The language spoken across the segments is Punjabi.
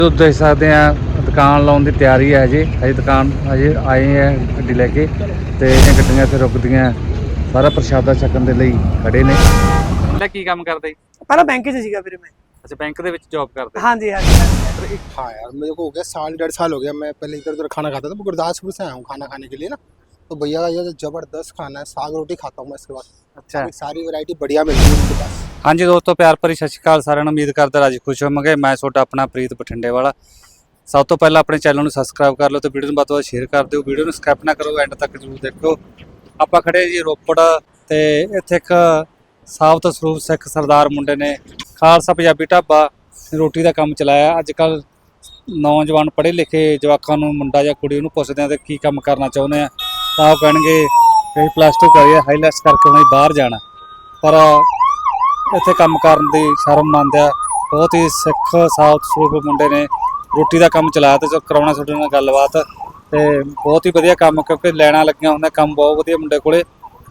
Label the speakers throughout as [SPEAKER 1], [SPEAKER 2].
[SPEAKER 1] ਦੇਖ ਸਕਦੇ ਆ ਦੁਕਾਨ ਲਾਉਣ ਦੀ ਤਿਆਰੀ ਹੈ ਜੀ। ਅਜੇ ਦੁਕਾਨ ਅਜੇ ਆਏ ਆ ਗੱਡੀ ਲੈ ਕੇ ਤੇ ਇਹ ਗੱਡੀਆਂ ਇੱਥੇ ਰੁਕਦੀਆਂ ਸਾਰਾ ਪ੍ਰਸ਼ਾਦਾ ਛਕਣ ਦੇ ਲਈ ਖੜੇ ਨੇ।
[SPEAKER 2] ਪਹਿਲਾਂ ਕੀ ਕੰਮ ਕਰਦੇ ਜੀ?
[SPEAKER 3] ਪਹਿਲਾਂ ਬੈਂਕ 'ਚ ਸੀਗਾ ਵੀਰੇ मैं।
[SPEAKER 2] अच्छा बैंक के ਵਿੱਚ जॉब करते?
[SPEAKER 3] हाँ जी हाँ जी।
[SPEAKER 4] हाँ यार मेरे को हो गया साल 1.5 साल हो गया। मैं पहले इधर उधर खाना खाता था, मैं गुरदासपुर से आया हूँ खाना खाने के लिए ना। तो भैया का ये जबरदस्त खाना है, साग रोटी खाता हूँ मैं इसके बाद।
[SPEAKER 2] अच्छा
[SPEAKER 4] सारी वैरायटी बढ़िया मिलती है उनके पास।
[SPEAKER 2] हाँ जी दोस्तों, प्यार भरी सत श्री अकाल साਰਿਆਂ ਨੂੰ। उम्मीद करदा राजी खुश होवोगे। मैं ਤੁਹਾਡਾ अपना प्रीत बठिंडे वाला। सब तो पहले अपने चैनल ਨੂੰ ਸਬਸਕ੍ਰਾਈਬ ਕਰ ਲਓ ਤੇ ਵੀਡੀਓ ਨੂੰ ਵੱਧ ਤੋਂ ਵੱਧ ਸ਼ੇਅਰ ਕਰ ਦਿਓ। ਵੀਡੀਓ ਨੂੰ ਸਕਿਪ ਨਾ ਕਰੋ, ਐਂਡ ਤੱਕ ਜ਼ਰੂਰ ਦੇਖੋ। ਆਪਾਂ ਖੜੇ ਜੀ ਰੋਪੜ ਤੇ ਇੱਥੇ ਇੱਕ ਸਾਬਤ ਸਰੂਪ ਸਿੱਖ ਸਰਦਾਰ ਮੁੰਡੇ ਨੇ ਖਾਲਸਾ ਪੰਜਾਬੀ ਢਾਬਾ ਰੋਟੀ ਦਾ ਕੰਮ ਚਲਾਇਆ। ਅੱਜ ਕੱਲ ਨੌਜਵਾਨ ਪੜ੍ਹੇ ਲਿਖੇ ਜਵਾਕਾਂ ਨੂੰ ਮੁੰਡਾ ਜਾਂ ਕੁੜੀ ਉਹਨੂੰ ਪੁੱਛਦੇ ਆ ਤੇ ਕੀ ਕੰਮ ਕਰਨਾ ਚਾਹੁੰਦੇ ਆ ਤਾਂ ਉਹ ਕਹਿਣਗੇ ਅਸੀਂ +2 ਕਰੀਏ, ਹਾਈਲੈਟਸ ਕਰਕੇ ਉਹਨੇ ਬਾਹਰ ਜਾਣਾ। ਪਰ ਇੱਥੇ ਕੰਮ ਕਰਨ ਦੀ ਸ਼ਰਮ ਮੰਨਦੇ ਆ। ਬਹੁਤ ਹੀ ਸਿੱਖ ਸਾਬਤ ਸਰੂਪ ਮੁੰਡੇ ਨੇ ਰੋਟੀ ਦਾ ਕੰਮ ਚਲਾਇਆ ਤੇ ਜੋ ਕਰਾਉਣਾ ਤੁਹਾਡੇ ਨਾਲ ਗੱਲਬਾਤ ਤੇ ਬਹੁਤ ਹੀ ਵਧੀਆ ਕੰਮ, ਕਿਉਂਕਿ ਲੈਣਾ ਲੱਗੀਆਂ ਹੁੰਦਾ ਕੰਮ ਬਹੁਤ ਵਧੀਆ ਮੁੰਡੇ ਕੋਲੇ।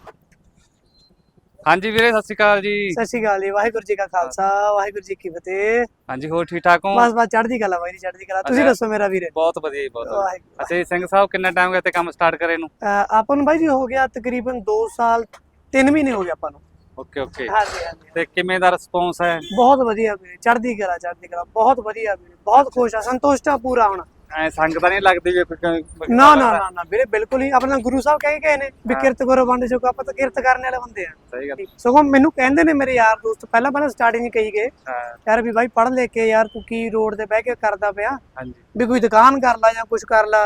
[SPEAKER 2] ਹਾਂਜੀ ਵੀਰੇ ਸਤਿ ਸ਼੍ਰੀ ਅਕਾਲ ਜੀ।
[SPEAKER 3] सत श्री अकाल जी। वाहिगुरू जी का खालसा वाहिगुरू जी की फतेह।
[SPEAKER 2] ਹਾਂਜੀ ਹੋਰ ਠੀਕ ਠਾਕ ਹੋ?
[SPEAKER 3] बस बस चढ़दी कला भाई जी, चढ़दी कला। ਤੁਸੀਂ ਦੱਸੋ ਮੇਰਾ ਵੀਰੇ?
[SPEAKER 2] ਬਹੁਤ ਵਧੀਆ ਜੀ, ਬਹੁਤ ਵਧੀਆ।
[SPEAKER 3] ਵਾਹਿਗੁਰੂ।
[SPEAKER 2] ਅੱਛਾ ਜੀ ਸਿੰਘ ਸਾਹਿਬ, ਕਿੰਨਾ ਟਾਈਮ ਹੋ ਗਿਆ ਤੇ ਕੰਮ ਸਟਾਰਟ ਕਰੇ ਨੂੰ?
[SPEAKER 3] ਆਪਾਂ ਨੂੰ ਬਾਈ ਜੀ ਹੋ ਗਿਆ ਤਕਰੀਬਨ 2 ਸਾਲ 3 ਮਹੀਨੇ ਹੋ ਗਏ ਆਪਾਂ ਨੂੰ।
[SPEAKER 2] Okay okay.
[SPEAKER 3] ਹਾਂਜੀ ਹਾਂਜੀ।
[SPEAKER 2] ਤੇ ਕਿਵੇਂ ਦਾ ਰਿਸਪੌਂਸ ਹੈ?
[SPEAKER 3] ਬਹੁਤ ਵਧੀਆ ਵੀਰੇ, ਚੜ੍ਹਦੀ ਕਲਾ ਬਹੁਤ ਵਧੀਆ ਵੀਰੇ, ਬਹੁਤ ਖੁਸ਼ ਆ, ਸੰਤੁਸ਼ਟ ਆ ਪੂਰਾ ਹੁਣ।
[SPEAKER 2] ਐ ਸੰਗ ਤਾਂ ਨਹੀਂ ਲੱਗਦੀ ਵੀ
[SPEAKER 3] ਨਾ ਨਾ ਨਾ ਨਾ ਵੀਰੇ, ਬਿਲਕੁਲ ਹੀ। ਆਪਣਾ ਗੁਰੂ ਸਾਹਿਬ ਕਹਿ ਗਏ ਨੇ ਵੀ ਕਿਰਤ ਕਰੋ ਵੰਡ ਛਕੋ। ਆਪਾਂ ਤਾਂ ਕਿਰਤ ਕਰਨ ਵਾਲੇ ਬੰਦੇ ਆ।
[SPEAKER 2] ਸਹੀ ਗੱਲ।
[SPEAKER 3] ਸਗੋਂ ਮੈਨੂੰ ਕਹਿੰਦੇ ਨੇ ਮੇਰੇ ਯਾਰ ਦੋਸਤ ਪਹਿਲਾਂ ਸਟਾਰਟਿੰਗ ਕਹੀ ਗਏ ਯਾਰ ਵੀ ਬਾਈ ਪੜ੍ਹ ਲੈ ਕੇ ਯਾਰ ਤੂੰ ਕੀ ਰੋਡ ਤੇ ਬਹਿ ਕੇ ਕਰਦਾ ਪਿਆ,
[SPEAKER 2] ਹਾਂਜੀ
[SPEAKER 3] ਵੀ ਕੋਈ ਦੁਕਾਨ ਕਰ ਲਾ ਜਾਂ ਕੁਝ ਕਰ ਲਾ।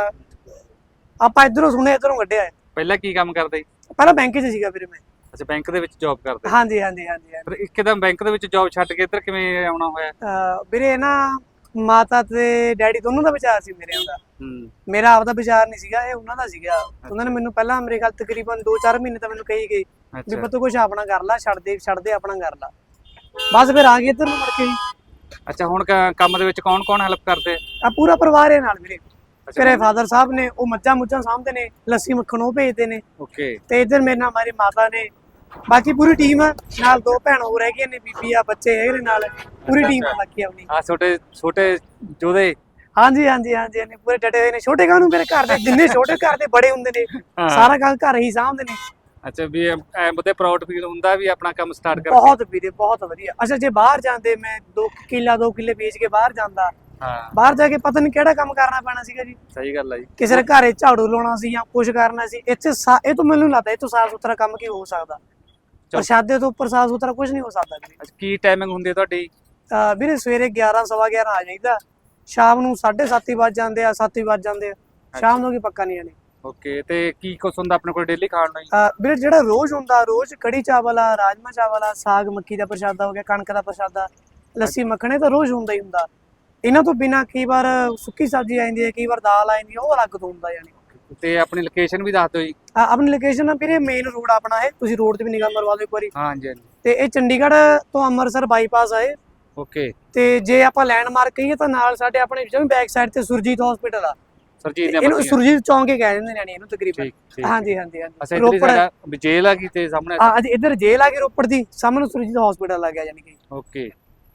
[SPEAKER 3] ਆਪਾਂ ਇਧਰੋਂ ਸੁਣੇ ਇਧਰੋਂ ਕੱਢਿਆ।
[SPEAKER 2] ਪਹਿਲਾਂ ਕੀ ਕੰਮ ਕਰਦੇ ਜੀ?
[SPEAKER 3] ਪਹਿਲਾਂ ਬੈਂਕ 'ਚ ਸੀਗਾ ਵੀਰੇ मैं।
[SPEAKER 2] ਅੱਛਾ ਬੈਂਕ ਦੇ ਵਿੱਚ ਜੌਬ ਕਰਦੇ?
[SPEAKER 3] ਹਾਂਜੀ ਹਾਂਜੀ ਹਾਂਜੀ।
[SPEAKER 2] ਫਿਰ ਇੱਕਦਮ ਬੈਂਕ ਦੇ ਵਿੱਚ ਜੌਬ ਛੱਡ ਕੇ ਇੱਧਰ ਕਿਵੇਂ ਆਉਣਾ ਹੋਇਆ?
[SPEAKER 3] ਵੀਰੇ ਨਾ ਮਾਤਾ ਤੇ ਡੈਡੀ ਦੋਨੋਂ ਦਾ ਵਿਚਾਰ ਸੀ ਮੇਰੇ ਦਾ। ਮੇਰਾ ਆਪਦਾ ਵਿਚਾਰ ਨਹੀਂ ਸੀਗਾ, ਇਹ ਉਹਨਾਂ ਦਾ ਸੀਗਾ। ਉਹਨਾਂ ਨੇ ਮੈਨੂੰ ਪਹਿਲਾਂ ਮੇਰੇ ਖਿਆਲ ਤਕਰੀਬਨ 2-4 ਮਹੀਨੇ ਤਾਂ ਮੈਨੂੰ ਕਹੀ ਗਈ ਵੀ ਪੁੱਤ ਕੁਛ ਆਪਣਾ ਕਰ ਲਾ, ਛੱਡ ਦੇ ਆਪਣਾ ਕਰ ਲਾ। ਬਸ ਫਿਰ ਆ ਗਏ ਇੱਧਰ ਨੂੰ ਮੁੜ ਕੇ।
[SPEAKER 2] ਅੱਛਾ ਹੁਣ ਕੰਮ ਦੇ ਵਿੱਚ ਕੌਣ ਕੌਣ ਹੈਲਪ ਕਰਦੇ?
[SPEAKER 3] ਆ ਪੂਰਾ ਪਰਿਵਾਰ ਹੈ ਨਾਲ ਵੀਰੇ। ਮੇਰੇ ਫਾਦਰ ਸਾਹਿਬ ਨੇ ਉਹ ਮੱਝਾਂ ਮੁੱਝਾਂ ਸਾਂਭਦੇ ਨੇ, ਲੱਸੀ ਮੱਖਣ ਉਹ ਭੇਜਦੇ ਨੇ।
[SPEAKER 2] ਓਕੇ।
[SPEAKER 3] ਤੇ ਇੱਧਰ ਮੇਰੇ ਨਾਲ ਮੇਰੀ ਮਾਤਾ ਨੇ, ਬਾਕੀ ਪੂਰੀ ਟੀਮ ਆ ਨਾਲ। 2 ਭੈਣ ਹੋਰ ਹੈਗੀਆਂ ਨੇ, ਬੀਬੀ ਆ, ਬੱਚੇ ਹੈਗੇ ਨੇ ਨਾਲ, ਪੂਰੀ ਟੀਮ ਆ ਬਾਕੀ ਆਪਣੀ।
[SPEAKER 2] ਆ ਛੋਟੇ ਜੋਧੇ?
[SPEAKER 3] ਹਾਂਜੀ ਹਾਂਜੀ ਹਾਂਜੀ ਹਾਂਜੀ, ਪੂਰੇ ਡਟੇ ਹੋਏ ਨੇ। ਛੋਟੇ ਕਾਹਨੂੰ, ਮੇਰੇ ਘਰ ਦੇ ਜਿੰਨੇ ਛੋਟੇ ਘਰ ਦੇ ਬੜੇ ਹੁੰਦੇ ਨੇ, ਸਾਰਾ ਕੰਮ ਘਰ ਹੀ ਸਾਂਭਦੇ ਨੇ।
[SPEAKER 2] ਅੱਛਾ ਵੀ ਐ ਬਤੇ ਪ੍ਰਾਊਡ ਫੀਲ ਹੁੰਦਾ ਵੀ ਆਪਣਾ ਕੰਮ ਸਟਾਰਟ ਕਰਕੇ?
[SPEAKER 3] ਬਹੁਤ ਵੀਰੇ ਬਹੁਤ ਵਧੀਆ। ਅੱਛਾ ਜੇ ਬਾਹਰ ਜਾਂਦੇ, ਮੈਂ 2 ਕਿੱਲੇ ਵੇਚ ਕੇ ਬਾਹਰ ਜਾਂਦਾ, ਬਾਹਰ ਜਾ ਕੇ ਪਤਾ ਨਹੀਂ ਕਿਹੜਾ ਕੰਮ ਕਰਨਾ ਪੈਣਾ ਸੀਗਾ ਜੀ।
[SPEAKER 2] ਸਹੀ ਗੱਲ ਹੈ ਜੀ।
[SPEAKER 3] ਕਿਸੇ ਦੇ ਘਰੇ ਝਾੜੂ ਲਾਉਣਾ ਸੀ ਜਾਂ ਕੁਝ ਕਰਨਾ ਸੀ। ਇੱਥੇ ਇਹ ਤੋਂ ਮੈਨੂੰ ਲੱਗਦਾ ਇਹ ਤੋਂ ਸਾਫ ਸੁਥਰਾ ਕੰਮ ਕੀ ਹੋ ਸਕਦਾ? ਪ੍ਰਸ਼ਾਦੇ ਤੋਂ ਉੱਪਰ ਸਾਫ ਸੁਥਰਾ ਕੁਝ ਨਹੀਂ ਹੋ ਸਕਦਾ ਵੀਰੇ।
[SPEAKER 2] ਕੀ ਟਾਈਮਿੰਗ ਹੁੰਦੀ ਹੈ ਤੁਹਾਡੀ?
[SPEAKER 3] ਵੀਰੇ ਸਵੇਰੇ 11 ਸਵਾ 11 ਆ ਜਾਈਦਾ, ਸ਼ਾਮ ਨੂੰ 7:30 ਵੱਜ ਜਾਂਦੇ ਆ, 7 ਵੱਜ ਜਾਂਦੇ ਆ। ਸ਼ਾਮ ਨੂੰ ਕੀ ਪੱਕਾ ਨਹੀਂ ਆਣੇ।
[SPEAKER 2] ਓਕੇ। ਤੇ ਕੀ ਕੁਛ ਹੁੰਦਾ ਆਪਣੇ ਕੋਲ ਡੇਲੀ ਖਾਣ ਨੂੰ?
[SPEAKER 3] ਵੀਰੇ ਜਿਹੜਾ ਰੋਜ਼ ਹੁੰਦਾ, ਰੋਜ਼ ਕੜੀ ਚਾਵਲ ਆ, ਰਾਜਮਾ ਚਾਵਲ ਆ, ਸਾਗ ਮੱਕੀ ਦਾ ਪ੍ਰਸ਼ਾਦਾ ਹੋ ਗਿਆ, ਕਣਕ ਦਾ ਪ੍ਰਸ਼ਾਦਾ, ਲੱਸੀ ਮੱਖਣੇ ਤਾਂ ਰੋਜ਼ ਹੁੰਦਾ ਹੀ ਹੁੰਦਾ। ਇਹਨਾਂ ਤੋਂ ਬਿਨਾ ਕਈ ਵਾਰ ਸੁੱਕੀ ਸਬਜ਼ੀ ਆ ਜਾਂਦੀ ਹੈ, ਕਈ ਵਾਰ ਦਾਲ ਆ ਜਾਂਦੀ ਹੈ, ਉਹ ਅਲੱਗ ਤੋਂ ਹੁੰਦਾ ਯਾਨੀ।
[SPEAKER 2] ਤੇ ਆਪਣੀ ਲੋਕੇਸ਼ਨ ਵੀ ਦੱਸ ਦਿਓ ਜੀ।
[SPEAKER 3] ਆਪਣੀ ਲੋਕੇਸ਼ਨ ਆ ਵੀਰੇ ਮੇਨ ਰੋਡ ਆਪਣਾ ਹੈ, ਤੁਸੀਂ ਰੋਡ ਤੇ ਵੀ ਨਿਗਾਹ ਮਰਵਾ ਦਿਓ ਇੱਕ ਵਾਰੀ।
[SPEAKER 2] ਹਾਂਜੀ ਹਾਂਜੀ।
[SPEAKER 3] ਤੇ ਇਹ ਚੰਡੀਗੜ੍ਹ ਤੋਂ ਅੰਮ੍ਰਿਤਸਰ ਬਾਈਪਾਸ ਆਏ।
[SPEAKER 2] ਓਕੇ।
[SPEAKER 3] ਤੇ ਜੇ ਆਪਾਂ ਲੈਂਡਮਾਰਕ ਕਹੀਏ ਤਾਂ ਨਾਲ ਸਾਡੇ ਆਪਣੇ ਬੈਕ ਸਾਈਡ ਤੇ ਸੁਰਜੀਤ ਹਸਪੀਟਲ ਆ।
[SPEAKER 2] ਇਹਨੂੰ
[SPEAKER 3] ਸੁਰਜੀਤ ਚੌਂਕ ਹੀ ਕਹਿ ਦਿੰਦੇ ਨੇ ਇਹਨੂੰ ਤਕਰੀਬਨ। ਹਾਂਜੀ ਹਾਂਜੀ ਹਾਂਜੀ।
[SPEAKER 2] ਰੋਪੜ ਜੇਲ੍ਹ ਆ ਗਈ ਤੇ ਸਾਹਮਣੇ?
[SPEAKER 3] ਅੱਜ ਇੱਧਰ ਜੇਲ੍ਹ ਆ ਗਈ ਰੋਪੜ ਦੀ, ਸਾਹਮਣੇ ਸੁਰਜੀਤ ਹਸਪੀਟਲ ਆ ਗਿਆ ਯਾਨੀ ਕਿ।
[SPEAKER 2] ਓਕੇ।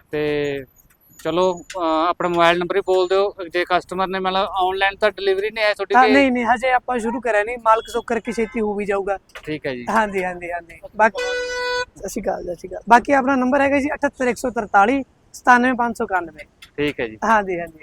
[SPEAKER 2] ਤੇ ਚਲੋ ਆਪਣਾ ਮੋਬਾਈਲ ਨੰਬਰ ਹੀ ਬੋਲ ਦਿਓ ਜੇ ਕਸਟਮਰ ਨੇ ਮਤਲਬ ਆਨਲਾਈਨ ਤਾਂ ਡਿਲੀਵਰੀ ਨਹੀਂ ਹੈ ਤੁਹਾਡੀ?
[SPEAKER 3] ਨਹੀਂ ਹਜੇ ਆਪਾਂ ਸ਼ੁਰੂ ਕਰਿਆ ਨਹੀਂ, ਮਾਲਕ ਸੁੱਖ ਕਰਕੇ ਛੇਤੀ ਹੋ ਵੀ ਜਾਊਗਾ।
[SPEAKER 2] ਠੀਕ ਹੈ ਜੀ।
[SPEAKER 3] ਹਾਂਜੀ ਹਾਂਜੀ ਹਾਂਜੀ। ਬਾਕੀ ਸਤਿ ਸ਼੍ਰੀ ਅਕਾਲ। ਬਾਕੀ ਆਪਣਾ ਨੰਬਰ ਹੈਗਾ ਜੀ 78143 97591।
[SPEAKER 2] ਠੀਕ ਹੈ ਜੀ।
[SPEAKER 3] ਹਾਂਜੀ ਹਾਂਜੀ।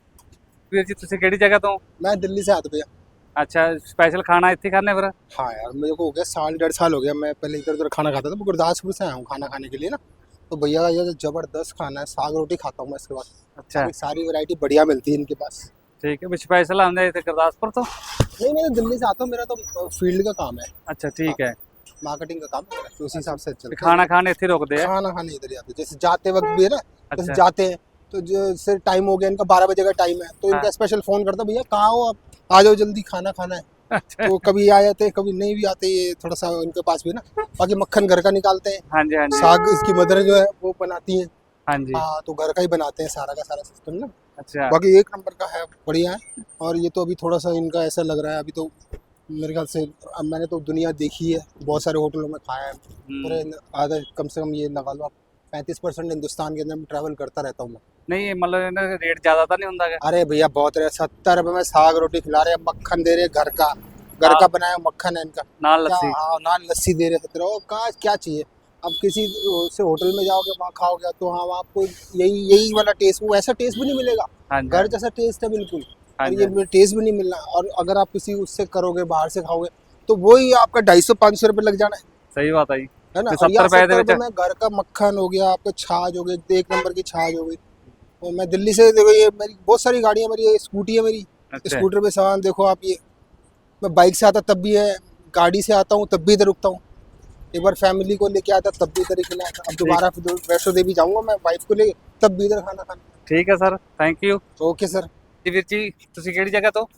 [SPEAKER 2] ਵੀਰ ਜੀ ਤੁਸੀਂ ਕਿਹੜੀ ਜਗ੍ਹਾ ਤੋਂ?
[SPEAKER 4] मैं दिल्ली से आता भैया।
[SPEAKER 2] अच्छा स्पेशल खाना ਇੱਥੇ खाने फिर?
[SPEAKER 4] हाँ यार मेरे को हो गया साल 1.5 साल हो गया। मैं पहले इधर उधर खाना खाता था, मैं गुरदासपुर से आया हूँ खाना खाने के लिए ना। तो भैया का ये जबरदस्त खाना है, साग रोटी खाता हूँ मैं इसके बाद।
[SPEAKER 2] अच्छा।
[SPEAKER 4] सारी वैरायटी बढ़िया मिलती है इनके पास।
[SPEAKER 2] ठीक है। स्पेशल आंदे इधर गुरदासपुर तो?
[SPEAKER 4] नहीं मैं दिल्ली से आता हूँ, मेरा तो फील्ड का काम है।
[SPEAKER 2] अच्छा ठीक है।
[SPEAKER 4] मार्केटिंग का काम है, तो उसी हिसाब से चलता है।
[SPEAKER 2] खाना खाने इतने रुकते हैं?
[SPEAKER 4] खाना खाने इधर ही आते, जैसे जाते वक्त भी है ना।
[SPEAKER 2] अच्छा।
[SPEAKER 4] जैसे जाते हैं तो जैसे टाइम हो गया इनका 12 बजे का टाइम है, तो इनका स्पेशल फोन करता भैया कहाँ हो आप, आ जाओ जल्दी खाना खाना है।
[SPEAKER 2] अच्छा।
[SPEAKER 4] तो कभी आ जाते हैं कभी नहीं भी आते, ये थोड़ा सा इनके पास भी ना। बाकी मक्खन घर का निकालते हैं।
[SPEAKER 2] हाँ जी हाँ जी।
[SPEAKER 4] साग इसकी मदर जो है वो बनाती है।
[SPEAKER 2] हाँ जी।
[SPEAKER 4] हाँ तो घर का ही बनाते हैं सारा का सारा सिस्टम ना।
[SPEAKER 2] अच्छा।
[SPEAKER 4] बाकी एक नंबर का है, बढ़िया है। और ये तो अभी थोड़ा सा इनका ऐसा लग रहा है, अभी तो मेरे ख्याल से अब मैंने तो दुनिया देखी है, बहुत सारे होटलों में खाया है। पूरे आधा कम से कम ये लगा लो आप 35% हिंदुस्तान के अंदर ट्रैवल करता रहता हूँ मैं।
[SPEAKER 2] नहीं मतलब इन्हें रेट ज़्यादा तो नहीं होता है?
[SPEAKER 4] अरे भैया बहुत रहे, 70 रुपए में साग रोटी खिला रहे हैं, मक्खन दे रहे हैं घर का बनाया मक्खन है इनका।
[SPEAKER 2] नान
[SPEAKER 4] क्या,
[SPEAKER 2] लस्सी।
[SPEAKER 4] हाँ नान लस्सी दे रहे हैं 70। कहाँ क्या चाहिए। अब किसी से होटल में जाओगे वहाँ खाओगे तो हाँ आपको यही वाला टेस्ट, वो ऐसा टेस्ट भी नहीं मिलेगा।
[SPEAKER 2] हाँ जी,
[SPEAKER 4] घर जैसा टेस्ट है बिल्कुल,
[SPEAKER 2] हाँ
[SPEAKER 4] और
[SPEAKER 2] जी,
[SPEAKER 4] ये टेस्ट भी नहीं मिलना। और अगर आप किसी उससे करोगे, बाहर से खाओगे तो वही आपका 250-500 रुपए लग जाना
[SPEAKER 2] सही बात है जी।
[SPEAKER 4] है ना।
[SPEAKER 2] तो
[SPEAKER 4] और यहाँ
[SPEAKER 2] 70 रुपए
[SPEAKER 4] 70 रुपए में घर का मक्खन हो गया, आपका छाछ हो गई, एक नंबर की छाछ हो गई। और मैं दिल्ली से देखो, ये मेरी बहुत सारी गाड़ियाँ, मेरी ये स्कूटी है मेरी,
[SPEAKER 2] अच्छा
[SPEAKER 4] स्कूटर पे सामान देखो आप। ये मैं बाइक से आता तब भी है, गाड़ी से आता हूँ तब भी इधर रुकता हूँ। एक बार फैमिली को लेके आता तब भी इधर ही खिलाया था। अब दोबारा फिर वैष्णो देवी जाऊंगा मैं वाइफ को लेके, तब भी इधर खाना खाना।
[SPEAKER 2] ठीक है sir, thank you
[SPEAKER 4] okay sir.
[SPEAKER 2] जी। वीर जी ਤੁਸੀਂ ਕਿਹੜੀ ਜਗ੍ਹਾ ਤੋਂ?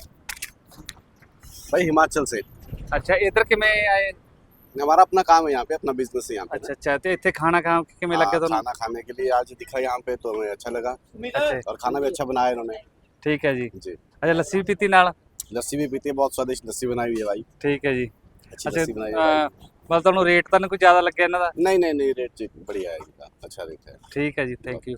[SPEAKER 5] भाई हिमाचल से।
[SPEAKER 2] ਅੱਛਾ ਇੱਧਰ ਕਿਵੇਂ ਆਏ?
[SPEAKER 5] हमारा अपना काम है यहाँ पे, अपना बिजनेस है यहाँ पे।
[SPEAKER 2] ਅੱਛਾ ਅੱਛਾ ਤੇ ਇੱਥੇ ਖਾਣਾ ਕਿਵੇਂ
[SPEAKER 5] हाँ,
[SPEAKER 2] ਲੱਗਾ ਤੁਹਾਨੂੰ?
[SPEAKER 5] खाना खाने के लिए आज दिखा यहाँ पे तो हमें अच्छा लगा,
[SPEAKER 2] अच्छा
[SPEAKER 5] और खाना भी अच्छा बनाया इन्होंने।
[SPEAKER 2] ठीक है जी।
[SPEAKER 5] जी,
[SPEAKER 2] अच्छा ਲੱਸੀ ਵੀ ਪੀਤੀ ਨਾਲ?
[SPEAKER 5] लस्सी भी पीती है, बहुत स्वादिष्ट लस्सी बनाई हुई है भाई,
[SPEAKER 2] ठीक है जी।
[SPEAKER 5] अच्छी
[SPEAKER 2] अच्छा
[SPEAKER 5] लस्सी बनाई है भाई।
[SPEAKER 2] ਬਸ ਤੁਹਾਨੂੰ ਰੇਟ ਤਾਂ ਨਹੀਂ ਕੋਈ ਜ਼ਿਆਦਾ ਲੱਗਿਆ ਇਹਨਾਂ ਦਾ?
[SPEAKER 5] नहीं नहीं नहीं, रेट जी बढ़िया है इनका, अच्छा रेट है।
[SPEAKER 2] ठीक है जी, थैंक यू।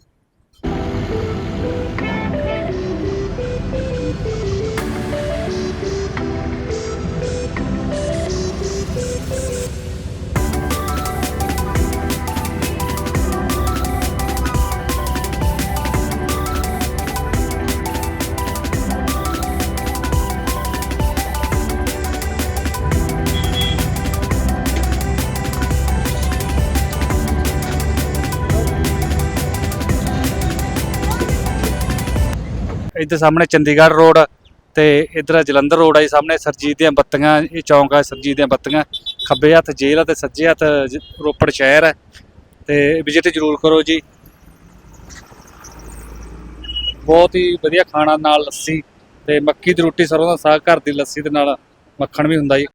[SPEAKER 2] ਇੱਧਰ ਸਾਹਮਣੇ ਚੰਡੀਗੜ੍ਹ ਰੋਡ ਤੇ ਇੱਧਰ ਜਲੰਧਰ ਰੋਡ ਆ ਜੀ। ਸਾਹਮਣੇ ਸਰਜੀਤ ਦੀਆਂ ਬੱਤੀਆਂ, ਇਹ ਚੌਂਕ ਆ ਸਰਜੀਤ ਦੀਆਂ ਬੱਤੀਆਂ। ਖੱਬੇ ਹੱਥ ਜੇਲ੍ਹ ਆ ਤੇ ਸੱਜੇ ਹੱਥ ਰੋਪੜ ਸ਼ਹਿਰ ਹੈ, ਤੇ ਵਿਜ਼ਿਟ ਜ਼ਰੂਰ ਕਰੋ ਜੀ। ਬਹੁਤ ਹੀ ਵਧੀਆ ਖਾਣਾ, ਨਾਲ ਲੱਸੀ ਤੇ ਮੱਕੀ ਦੀ ਰੋਟੀ, ਸਰੋਂ ਦਾ ਸਾਗ, ਘਰ ਦੀ ਲੱਸੀ ਦੇ ਨਾਲ ਮੱਖਣ ਵੀ ਹੁੰਦਾ ਜੀ।